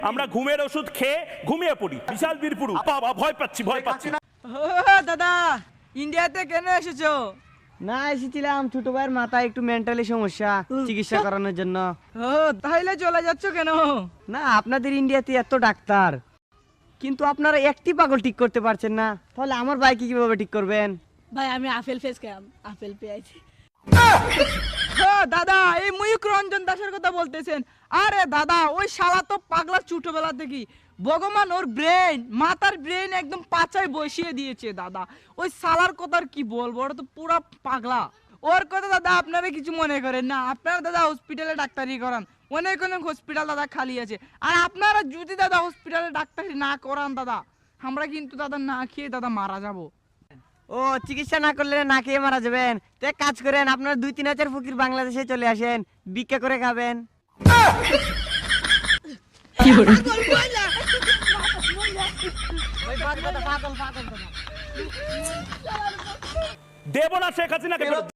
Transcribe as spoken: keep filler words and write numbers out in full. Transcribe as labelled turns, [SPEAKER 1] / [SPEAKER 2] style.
[SPEAKER 1] আমরা ঘুমের ওষুধ খেয়ে ঘুমিয়ে পড়ি, বিশাল বীরপুরু। বাবা ভয় পাচ্ছি ভয় পাচ্ছি
[SPEAKER 2] ও দাদা, ইন্ডিয়াতে কেন এসেছো?
[SPEAKER 3] না, এসেছিলাম ছোট ভাইয়ের মাথায় একটু মেন্টালি সমস্যা, চিকিৎসা করানোর জন্য।
[SPEAKER 2] ও তাহলে চলে যাচ্ছ কেন?
[SPEAKER 3] না, আপনাদের ইন্ডিয়াতে এত ডাক্তার, কিন্তু আপনারা একটি পাগল ঠিক করতে পারছেন না, তাহলে আমার ভাইকে কিভাবে ঠিক করবেন?
[SPEAKER 4] ভাই আমি আপেল ফেস খাম, আপেল পেয়েছি।
[SPEAKER 2] ও দাদা, এই ময়ূক রঞ্জন দাসের কথা বলতেছেন? আরে দাদা, ওই শালা তো পাগলা ছোটবেলা থেকে। ভগবান ওর ব্রেন, মাথার ব্রেন একদম পাচায় বসিয়ে দিয়েছে দাদা। ওই শালার কথা আর কি বলবো, ওটা তো পুরা পাগলা। ওর কথা দাদা আপনারা কিছু মনে করেন না, আপনারা দাদা হসপিটালে ডাক্তারি করান, অনেক অনেক হসপিটাল দাদা খালি আছে। আর আপনারা যদি দাদা হসপিটালে ডাক্তারি না করান দাদা, আমরা কিন্তু দাদা না খেয়ে দাদা মারা যাবো।
[SPEAKER 3] ও, চিকিৎসা না করলে না খেয়ে মারা যাবেন? তো এক কাজ করেন, আপনার দুই তিন হাজার ফকির বাংলাদেশে চলে আসেন, ভিক্ষা করে খাবেন।
[SPEAKER 1] দেব না শেখ হাসিনাকে।